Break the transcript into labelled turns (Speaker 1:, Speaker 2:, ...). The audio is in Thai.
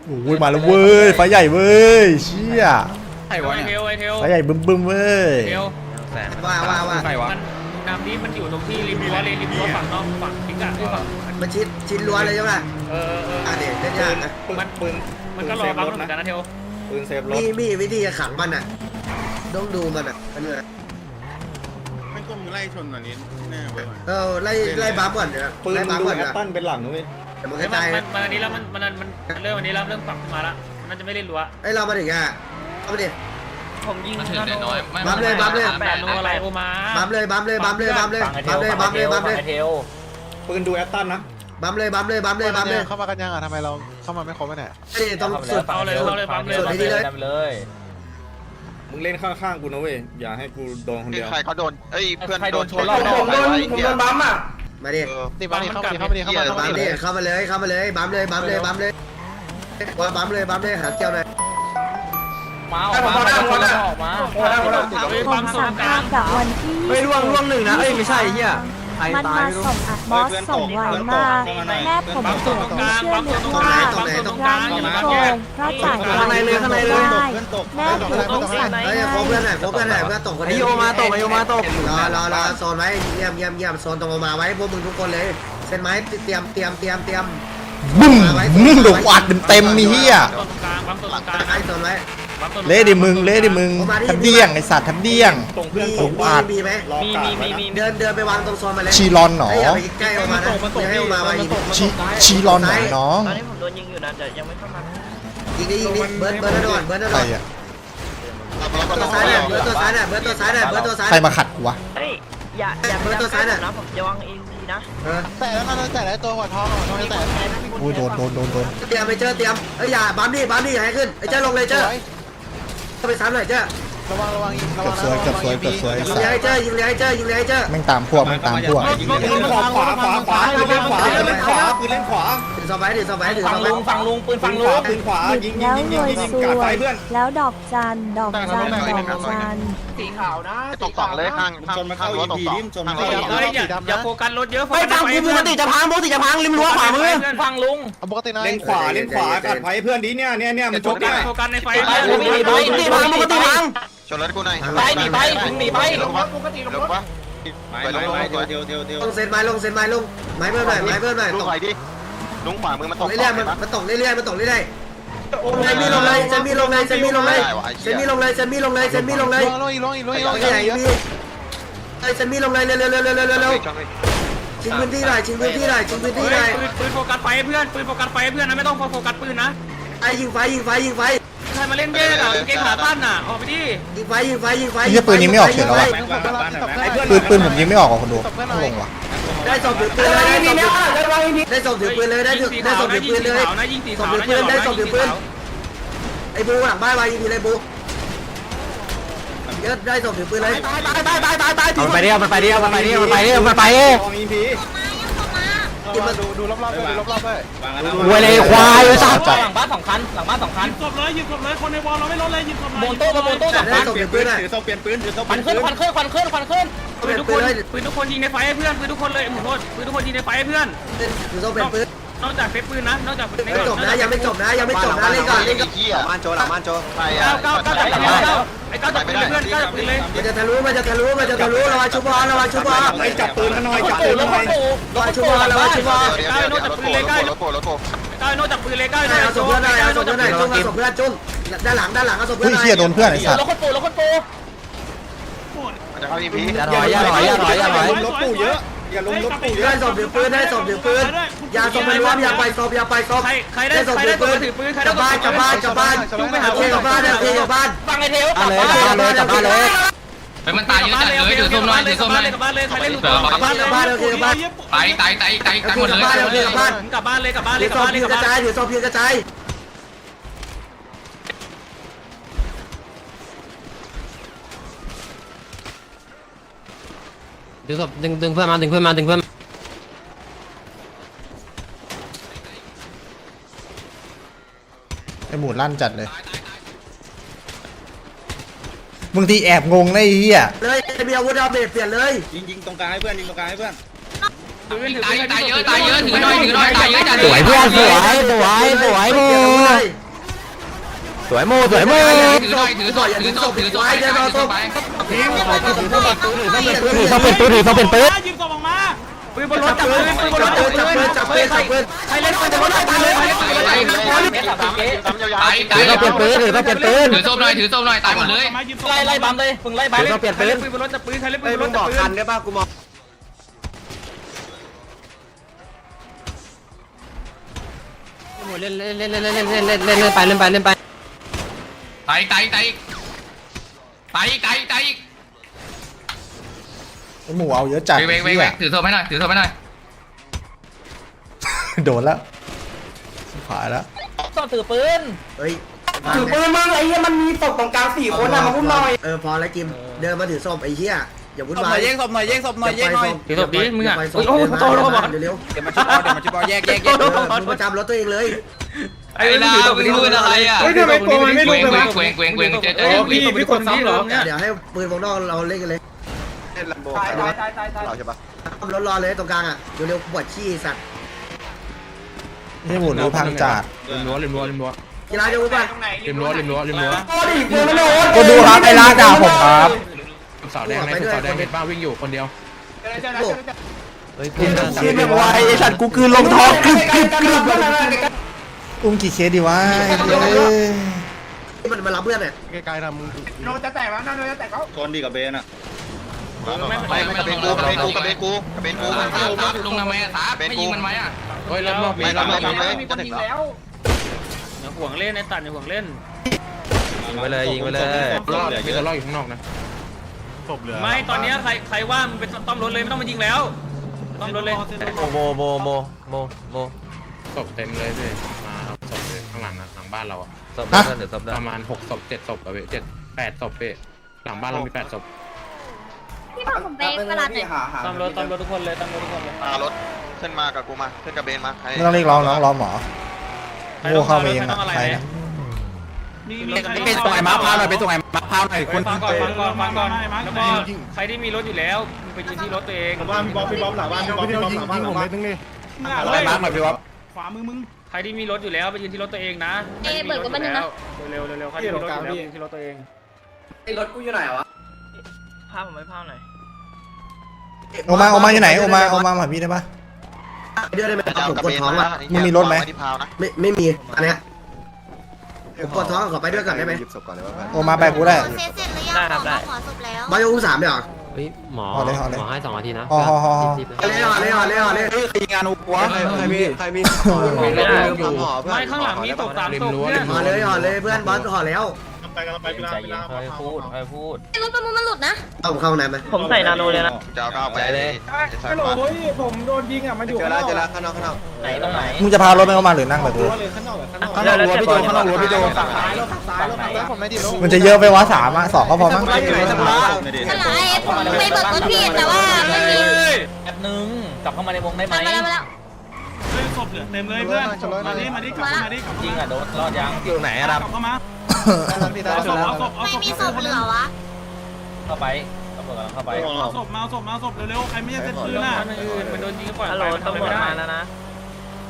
Speaker 1: โอ้ยมาแล้วเว้ยไฟใหญ่เว้ยเชี่ย
Speaker 2: ไอ้วะเนี่ย
Speaker 1: ไฟใหญ่บึ้มเว้ย
Speaker 3: ว่า
Speaker 2: ใครวะ
Speaker 4: น้ำนี้มันอยู่ตรงที่ริมรั้วเลยริมรั้วฝั่งนอกฝั่งพิกอะฝั่ง
Speaker 3: มันชิดรั้วเลยใช่ไหม อ่ะเดี๋ยวเล่นยากนะ
Speaker 4: มันก็รอบังเหมือนกันนะเทล
Speaker 2: ปืนเซฟรถ
Speaker 3: มีวิธีจะขังมันอ่ะต้องดูมันอ่ะมันเลย
Speaker 5: ไม่ก็มึงไล่ชนอันนี้แน่เว้ย
Speaker 3: ไล่บัฟก่อนเดี๋ยว
Speaker 2: ปืน
Speaker 3: ไล่
Speaker 2: มึ
Speaker 3: บั
Speaker 2: ง
Speaker 3: ฟ
Speaker 2: ดู
Speaker 3: ก่อน
Speaker 2: แอ
Speaker 3: เดี๋ยว
Speaker 2: ตตันเป็นหลังนะเว้ย
Speaker 3: แต่มันก
Speaker 4: เฮ้ย
Speaker 3: ระจาย
Speaker 4: มันอันนี้แล้วมันเริ่มอันนี้แล้วเริ่มปรับขึ้นมาละมันจะไม่เล่นรั้ว
Speaker 3: ไอ้เรามาถึงอ่ะเข้ามาดิ
Speaker 4: ผมยิง
Speaker 6: มันถึงได้น้อย
Speaker 3: บัฟเลยบัฟเลย
Speaker 4: แบบโนอะไรโอมา
Speaker 3: บัฟเลยบัฟเลยบัฟเลยบัฟเลยบัฟเลยบัฟเลยบัฟเลย
Speaker 2: ปืนดูแอตตันนะ
Speaker 3: บัฟเลยบัฟเลยบัฟเลยบัฟเลย
Speaker 5: เข้ามากันยังอ่ะทำไมเราเข้ามาไม่ครบเนี่ย
Speaker 3: ไอ้ต้องสุด
Speaker 4: เอาเลยปั๊มเลย
Speaker 3: สุดที่นี่เลย
Speaker 2: มึงเล่นข้างๆกูนะเว้ยอย่าให้กูโดนคนเดียว
Speaker 6: ใครเขาโดนเอ้ยเพื่อนโดนชนรอบนอก
Speaker 3: บัมอ่ะมาดิ
Speaker 5: นี่มาดิเข้ามาดิเข้ามาดิเข้ามา
Speaker 3: บัมดิเข้ามาเลยเข้ามาเลยบัมเลยบัมเลยบัมเลยว่าบัมเลยบัมเลยหาเกี่ยวหน่อย
Speaker 4: มาออกมาปั๊ม
Speaker 7: สามภาพกับวันที่
Speaker 8: ไม่ร่วงหนึ่งนะเอ้ยไม่ใช่เฮียใคร
Speaker 7: มัน
Speaker 8: ตาย
Speaker 7: มา
Speaker 8: ไม่รู้
Speaker 7: ส่งอัดบอสส่งไวมากแม่ผมเสียที่เชื่อลึกว่าร้านนี้โกงเพราะจ่ายไวไม่ได้แม่ผมต้องสั่ง
Speaker 3: เฮ้ยโคเพื่อนหน่อยโคเพื่อนหน่อยเพื่อนตกคน
Speaker 8: ไอ
Speaker 3: นี้
Speaker 8: โยมาตกไอโยมาตก
Speaker 3: รอโซนไว้เยี่ยมโซนตรงมาไว้พวกมึงทุกคนเลยเส้นไม้เตรียม
Speaker 1: บึ้มโดนอัดเต็มมีเฮีย
Speaker 4: ตรงกลางปั๊มตรงกลาง
Speaker 3: ไอ้โซนไว้
Speaker 1: เละดิมึงทับเดี้ยงไอสัตว์ทับเดี้ยง
Speaker 2: ตรงเพื่อนตก
Speaker 3: มีไหม
Speaker 2: รอกาดไว้นะ
Speaker 3: เดินไปวางตรงโซนมาเลย
Speaker 1: ชีรอนหนอ
Speaker 3: อย่าไปใกล้ออกมานะอย่าให้ออกมาไว้ยิง
Speaker 1: ชีรอนหนอน้อง
Speaker 4: ตอนนี้ผมโดนยิงอยู่นะแต่ยังไม่เข้ามา
Speaker 3: ยิงดิเบิร์ดก่อน
Speaker 1: ใครอะ
Speaker 3: ตัวซ้ายเนี่ยเบิร์ดตัวซ้าย
Speaker 1: ใครมาขัดกูวะ
Speaker 4: เฮ้ยอย่านะผมจะวางเองทีนะ
Speaker 5: แต่แล้วมันแต่ตัวหัวทองหัวทองแต่
Speaker 1: โอ้ยโดน
Speaker 3: เตรียมไปเจอเตรียมเอ้ยอย่าบัมดิอย่าให้ขึ้นไอ้เจ้าลงเลยเจ้าไปซ้ำหน่อยเจ้า
Speaker 5: ระวังยิง
Speaker 1: เกือบสวยไอ้
Speaker 3: ยิง
Speaker 1: สั
Speaker 3: เลย
Speaker 1: ตว์
Speaker 3: ให้เจ้ายิงเลยให้เจ้า
Speaker 1: แม่งตามพวก
Speaker 2: ปืนขวาปืนเล่นขวาปืนเล่นขวาปืนเล่นขวาปืนเล่นขวา
Speaker 3: ถือซอมไว้ปืน
Speaker 2: ฟังลุงปืนขวายิง
Speaker 7: แล้วรวยส
Speaker 2: กาด
Speaker 7: ว
Speaker 2: ไฟ
Speaker 7: ย
Speaker 2: เพื่อน
Speaker 7: แล้วดอกจัน
Speaker 4: สีขาวนะ
Speaker 6: ตกสองเลยข้างรั้วตกสองข้างรั้วตกสอง
Speaker 4: เฮ้ยอย่าโฟกัสรถเยอะ
Speaker 8: ไม่ฟังกูปกติจะพังริมรั้วขวามือ
Speaker 4: ฟังลุง
Speaker 5: ปกตินะ
Speaker 2: เล่นขวากาดไฟเพื่อนดิเนี่ยมันชกเนี่ย
Speaker 4: โฟกัสในไฟ
Speaker 8: ปกติพัง
Speaker 6: ชนรถกูหน่อย
Speaker 4: ไปหนีไป
Speaker 6: ลงปะไปลง
Speaker 2: เดียว
Speaker 3: ลงเซนไม้ลงไม้เพิ่มหน่อย
Speaker 6: ลุงไปดิลุงขวามือมัน
Speaker 3: ต
Speaker 6: ต
Speaker 3: ก
Speaker 6: ก
Speaker 3: เรื่อยๆมันตกเรื่อยๆเซนมีลงเลยเซนมีลงเลยชิงพื้นที่หน่อย
Speaker 4: ปืนโฟกัสไฟเพื่อนนะไม่ต้องโฟกัสปืนนะ
Speaker 3: ไอ้ยิงไฟ
Speaker 4: ใครมาเล่นเบ้อะเกมขาตั้นน่ะออกไปดิ
Speaker 3: ยิงไฟ
Speaker 1: ไอ้ปืนยิงไม่ออกเฉยแล้วอะปืนผมยิงไม่ออกคนดูต้องลงว่ะ
Speaker 3: ได้ส่งถือปืนเลยได้ส่งถือปืนเลยได้ส่งถือปืนเลย
Speaker 4: นะยิงสี
Speaker 3: ส่ง
Speaker 4: ขาว
Speaker 3: ถือ
Speaker 4: นะ
Speaker 3: ปืนได้ส่งถือปืนไอ้บูหลังบ้านวายิงทีเลยบูเยอะได้ส่งถือปืนเลย
Speaker 8: มันไปดิมันไป
Speaker 2: ลองอีพี
Speaker 5: ดูรอบๆด้วย
Speaker 8: เวเลยควายสัตว์
Speaker 4: หลังบ้าน2 คันยิงศพเลยคนในวอลเราไม่ลดเลยยิงศพเลยโมโต้2
Speaker 3: ได้ส่งถือปืนเลย
Speaker 2: ถือโซ่เปลี่ยนปืนถือโซ่
Speaker 4: ควันขึ้นปืนทุกคนปืนทุกคนยิงในไฟให้เพื่อนปืนทุกคนเลยหมุนโทษปืนทุกคนยิงในไฟให้เพื่อน
Speaker 3: ถือโซ่เป็นปืน
Speaker 4: นอกจากเฟซปืนนะนอกจาก
Speaker 3: ไม่จบนะยังไม่จบนะเล่นก่อน
Speaker 6: หลังบ้านโจใครอ่ะ
Speaker 4: 9จับปืนไอ้9จับปืนเลยเพื่อน9จับปืนเลย
Speaker 3: มันจะทะลุระวังชุบอล
Speaker 2: ไอ้จับปืนมาหน่อยจับปืนมาหน่อย
Speaker 3: ระวังชุบอล
Speaker 6: รถโผล่
Speaker 4: 9นอกจากปืนเลย9
Speaker 3: เอาศพเพื่อนหน่อยจุ้งเอาศพเพื่อนจุ้งด้านหลังเอาศพเพื่
Speaker 1: เฮ้
Speaker 3: อย นหน่อย
Speaker 1: เฮียโดนเพื่อนไอสัตว์
Speaker 4: แล้วคนโป
Speaker 6: มันจะเข้าอีพี
Speaker 8: อย่าถอย
Speaker 2: ลบปู่เยอะอย่าลงลบปู่เย
Speaker 3: ได้
Speaker 2: อะ
Speaker 3: ศพถือปืนอย่าศพไปรวมอย่าไปศพ
Speaker 4: ใครได้ตัวถือปืนใคร
Speaker 3: กลั
Speaker 4: ได้
Speaker 3: บบ้านจุ้งไปหาเทียกับบ้าน
Speaker 4: ฟังไอ้เทล
Speaker 8: กลับบ้านเลย
Speaker 6: เฮ้ยมันตายเยอะจัดเลยถือส้มหน่อยถือส้มหน่อย
Speaker 4: กลับบ้านเลยใครเล่นลูก
Speaker 3: กลับบ้าน
Speaker 6: ตายหมดเลย
Speaker 4: กลับบ้านเลย
Speaker 3: ถือศพเพียงกระจาย
Speaker 8: ดึงเพื่อนมา
Speaker 1: ไอหมูลั่นจัดเลยบางทีแอบงงนะไอ้เหี้ย
Speaker 3: เลยมีอาวุธเอาเบรเปลี่ยนเลย
Speaker 2: ยิงตรงกลางให้เพื่อนยิงตรงกลางให้เพื่อน
Speaker 6: ตายเยอะถือหน่อยตายเยอะจัด
Speaker 8: สวยเพื่อนสวยบูสวยโมสวยโม
Speaker 6: ถือหน่อยถือศพถือศพถือศพไปถือศพไป
Speaker 8: ถือเขาเป็นปืนถือเขาเป็นปืน
Speaker 4: ยิงศพออกมาปืนบนรถจับปืนปืนบนรถจับปืนใครเล่นปืนบนรถตายเลย
Speaker 8: ถือเขาเป็นปืนถือเขาเป็นปืน
Speaker 6: ถือศพหน่อยถือศพหน่อยตายหมดเลย
Speaker 4: ไล่บัมเลยมึงไล่บัม
Speaker 8: ถือเขาเปลี่ยนปืน
Speaker 4: ปืนบนรถจับปืนใครเล่นปืนบนรถจับปืน
Speaker 3: ได้ป่ะกูมอง
Speaker 8: เล่นไปเล่นไป
Speaker 6: ตายอีก
Speaker 1: ไอ้หมูเอาเยอะจัด
Speaker 6: เวงถือศพให้หน่อยถือศพให้หน่อย
Speaker 1: โดนแล้วผ่านแล้ว
Speaker 4: ต้องถือปืน
Speaker 3: เฮ้ย
Speaker 2: ถือปืนมึงไอ้เหี้ยมันมีศพตรงกลาง4คนอ่ะมาพุ่มหน่อย
Speaker 3: พอแล้วจิมเดินมาถือศพไอ้เหี้ยอย่าวุ่น
Speaker 5: ศพห
Speaker 3: วา
Speaker 5: น่อย ยแย่งศพหน่อยแย่งศพหน่อยแย่งหน่อย
Speaker 4: ถือศพดิมึงอ่ะ
Speaker 3: โอ้โหโตแล้วบอกเร็ว
Speaker 5: เดี๋ยวมาชิบอลเดี๋ยวมาชิบอลแยก
Speaker 3: มึงประจำรถตัวเองเลย
Speaker 6: ไอ้ลามึงพูดอะไรอ่ะ
Speaker 5: เฮ้ยทำไมตัวมันไม่ลุกเลยวะ
Speaker 6: เวงเจ๊
Speaker 4: พี่กดซ้ำเหรอ
Speaker 3: เดี๋ยวให้ปืนวงนอกเราเล่นกันเลย
Speaker 2: ตาย
Speaker 3: เราใช่ปะรอเลยตรงกลางอ่ะเร็วๆปวดขี้สัตว์
Speaker 1: ไอ้หมูรู้พังจัด
Speaker 3: กีฬาเดียวกัน
Speaker 2: โอ้ดิปืนมันโดน
Speaker 1: ก็ดูครับไอ้ลากด่าผมครับ
Speaker 3: สาวแดงในสาวแดงเห็นบ้าวิ่งอยู่คนเดียว
Speaker 1: เชี่ยแบบวายไอ้สัตว์กูคืนลงท้องกรึบอุ้มกี่เคสดีวะไอ้เย้ย
Speaker 3: มันมารับเพื่อนเนี่ย
Speaker 2: โดนจะแตกแล้วนะโดนจะแตกแล้ว
Speaker 5: ชนดีกับเบนอ่ะ
Speaker 6: ไม่กระเบนกูลุงทำไมอ่ะสาไม่ยิงมันไหมอ่ะ
Speaker 8: เฮ้ยรับรอบ
Speaker 2: มีคนยิงแล้ว
Speaker 4: อย่าห่วงเล่นในตัดอย่าห่วงเล่น
Speaker 8: ยิงไปเลยยิงไปเลย
Speaker 5: มีตัวรอดอยู่ข้างนอกนะ
Speaker 4: ไม่ตอนนี้ใครว่ามึงเป็นต้อมรถเลยไม่ต้องมายิงแล้วต้อมรถเลย
Speaker 8: โม
Speaker 5: ศพเต็มเลยพี่มาเอาศพเลยข้างหลังนะหลังบ้านเราอ่ะ
Speaker 8: ศพได้เดี๋ยวศพได้
Speaker 5: ประมาณ6ศพ7ศพอะเว้ย8ศพเว้ยหลังบ้านเรามี8ศพ
Speaker 7: พี่บอกผมไปตลาดไหน
Speaker 4: ต้อมรถทุกคนเลยต้อมรถทุกคนเลย
Speaker 6: รถขึ้นมากับกูมาขึ้นกับเบนมา
Speaker 1: ไม่ต้องเรียกร้องน้องร้องหมอโง่เข้ามาเองอะใครนะ
Speaker 5: เป็นตรงไหนมาพาวหน่อยเป็นตรงไหนมาพาวหน่อยคน
Speaker 4: ฟังก่อนแล้วก็ใครที่มีรถอยู่แล้วมึงไปยืนที่รถตัวเอง
Speaker 2: บ้านพี่บ๊อบหลังบ้านพี่บ๊อบยิงผมไม่ตึงนี่
Speaker 5: อะไรมาหน่อยพี่วะ
Speaker 4: ใครที่มีรถอยู่แล้วไปยืนที่รถตัวเองนะเบิกกันบ้างนะเร็วใครที่มีรถอยู่แล้วยืนที่รถตัวเอง
Speaker 3: ไอ้รถกูอยู่ไหนวะ
Speaker 4: ภาพผมไม่ภาพหน่อย
Speaker 1: โอมาอยู่ไหนโอมาหาพี่ได้ปะ
Speaker 3: เดือดได้ไหมผมปวดท้องอ่ะ
Speaker 1: มึงมีรถไหม
Speaker 3: ไม่มีอันเนี้ยผมปวดท้องขอไปด้วยก่อนได้ไหม
Speaker 1: โอมาไปกูได้
Speaker 7: เสร็จหรือยังขอศพแล้ว
Speaker 3: บายอุ้ม3เดี๋ยว
Speaker 8: เฮ้ยหมอให้2นาทีนะ
Speaker 3: เล่
Speaker 5: ใครงานอุปวะใครมี
Speaker 4: ไม่ข้างหลังมีตก3ตกเนี่ย
Speaker 3: ห่อเลยเพื่อนบอสห่อแล้ว
Speaker 4: พูด
Speaker 7: รถประมูลมันหลุดนะ
Speaker 3: เอาเข้าไหนไหม
Speaker 4: ผมใส่นาโนเลยนะ
Speaker 6: จะเอาไปเลย
Speaker 2: ฮัลโหลผมโดนยิงอ่ะมันอยู่ข้างนอก
Speaker 4: ไหนตรงไหน
Speaker 1: มึงจะพารถไปเข้ามาหรือนั่งแบบกู
Speaker 2: ข้างนอกรั้วพี่โจข้างนอกรั้วพี่โจฝั่งซ้ายผมไม่ดี
Speaker 1: มันจะเยอะไปวะ3อะ2ก็พอมั้ง
Speaker 7: สลายผมไปเบิกรถพี่แต่ว่าไม่มี
Speaker 4: แป๊บนึงกลับเข้ามาในวงได้ไหม
Speaker 7: มาแล้ว
Speaker 4: ศพเต็มเลยเพื่อนมาดิจริงอ่ะโดนรอดยัง
Speaker 8: อยู่ไหนครับ
Speaker 7: ไม่มีศพเหลือวะ
Speaker 4: เข้าไปตำรวจเข้าไป
Speaker 9: มาศพเร็วๆใครไม่ใช่เซ็ตปืนอ่ะ
Speaker 4: มันโดนยิงก่อน
Speaker 9: ฮัลโหลตำรวจมาแล้วนะ
Speaker 4: ไ